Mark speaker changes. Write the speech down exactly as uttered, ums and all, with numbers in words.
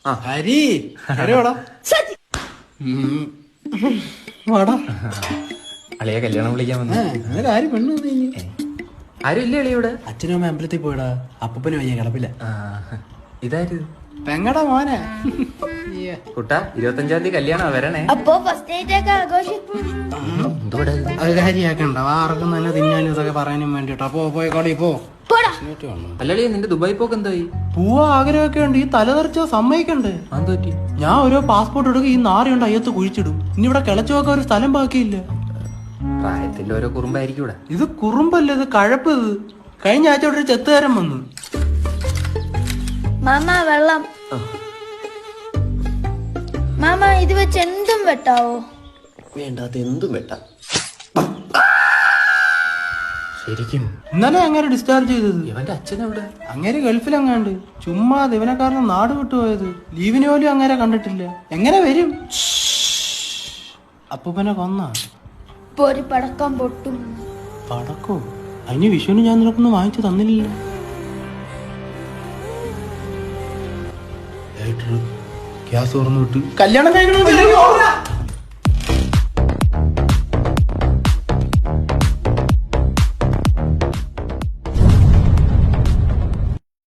Speaker 1: ഹരി വാടാ വാടാ
Speaker 2: അളിയെ കല്യാണം വിളിക്കാൻ വന്നു.
Speaker 1: അങ്ങനെ ആരും പെണ്ണു
Speaker 2: ആരും ഇല്ല അളിയ ഇവിടെ.
Speaker 1: അച്ഛനും അമ്മ അമ്പലത്തിൽ പോയടാ. അപ്പൂപ്പന് വയ്യ കിടപ്പില്ല.
Speaker 2: ഇതായത്
Speaker 1: പെങ്ങടാ മോനെ.
Speaker 2: കുട്ടാ ഇരുപത്തഞ്ചാം തീയതി കല്യാണം വരണേ.
Speaker 3: അപ്പൊ ഫസ്റ്റ് നൈറ്റ് ഒക്കെ ആഘോഷിക്കും.
Speaker 1: അത് കാര്യാക്കണ്ട. ആർക്കും തന്നെ തിന്നാനും ഇതൊക്കെ പറയാനും വേണ്ടിട്ടോ. പോ പോയി കടയിൽ പോ.
Speaker 2: അല്ലളിയ നിന്റെ ദുബായ് പോക്ക് എന്തായി?
Speaker 1: പോവാ ആഗ്രഹമൊക്കെ ഉണ്ട്. ഈ തലതെറിച്ച സമ്മതിക്കണ്ടേ?
Speaker 2: അത് പറ്റി.
Speaker 1: ഞാൻ ഓരോ പാസ്പോർട്ട് എടുക്കുക ഈ നാറിയുണ്ട് അയ്യത്ത് കുഴിച്ചിടും. ഇനി ഇവിടെ കിളച്ചു നോക്കാൻ ഒരു സ്ഥലം ബാക്കിയില്ല.
Speaker 2: പ്രായത്തിന്റെ ഓരോ കുറുമ്പായിരിക്കും ഇവിടെ.
Speaker 1: ഇത് കുറുമ്പല്ല, ഇത് കഴപ്പ്. ഇത് കഴിഞ്ഞ ആഴ്ച ഇവിടെ ഒരു ചെത്തുകാരൻ വന്നു.
Speaker 3: മാമ വെള്ളം. മാമ ഇത് വെച്ച് എന്തും വെട്ടാവോ?
Speaker 4: വേണ്ടാത്ത എന്തും വെട്ടാം.
Speaker 2: ശരിക്കും
Speaker 1: ഇന്നലെ അങ്ങനെ ഡിസ്ചാർജ് ചെയ്തത്.
Speaker 2: ഇവന്റെ അച്ഛനെവിടെ?
Speaker 1: അങ്ങേര് ഗൾഫിലെങ്ങാണ്ട്. ചുമ്മാ ഇവനെ കാരണം നാട് വിട്ടുപോയത്. ലീവിന് പോലും അങ്ങനെ കണ്ടിട്ടില്ല. എങ്ങനെ വരും? അപ്പൂപ്പനെ കൊന്നാ?
Speaker 3: ഇപ്പൊ ഒരു പടക്കം പൊട്ടും.
Speaker 1: പടക്കോ? അതിന് വിഷുവിന് ഞാൻ നിനക്കൊന്നും വാങ്ങിച്ചു തന്നില്ല. ഗ്യാസ് തുറന്നു വിട്ട് കല്യാണം കഴിക്കണം.